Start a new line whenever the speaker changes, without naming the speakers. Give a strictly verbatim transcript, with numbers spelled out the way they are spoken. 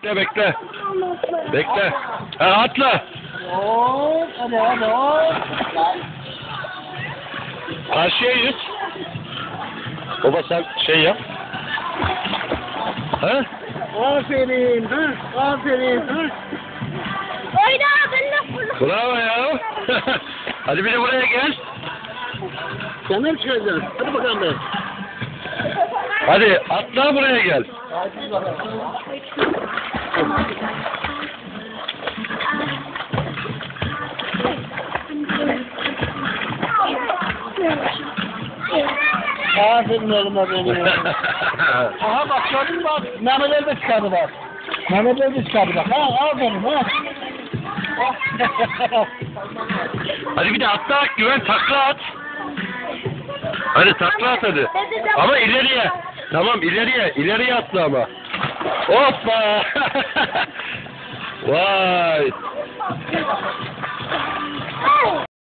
Bekle bekle. Bekle. Ha, atla.
Hop, hadi hadi hop.
Karşıya yüz. Baba sen şey yap. Ha?
Aferin, ha, aferin, ha.
Oyna ben de fırla.
Bravo ya. Hadi bir de buraya gel.
Sen ne çıkacaksın? Hadi bakalım be.
Hadi atla buraya gel.
Hadi bakalım. Aferin oğluma benim. Aha bak gördün mü bak. Mehmetler de çıkardı bak. Mehmetler de çıkardı bak. Ha aferin ha.
Hadi bir de atla Güven, takla at. Hadi takla at hadi. Ama ileriye. Tamam ileriye. İleriye atla ama. Hoppa. Vay.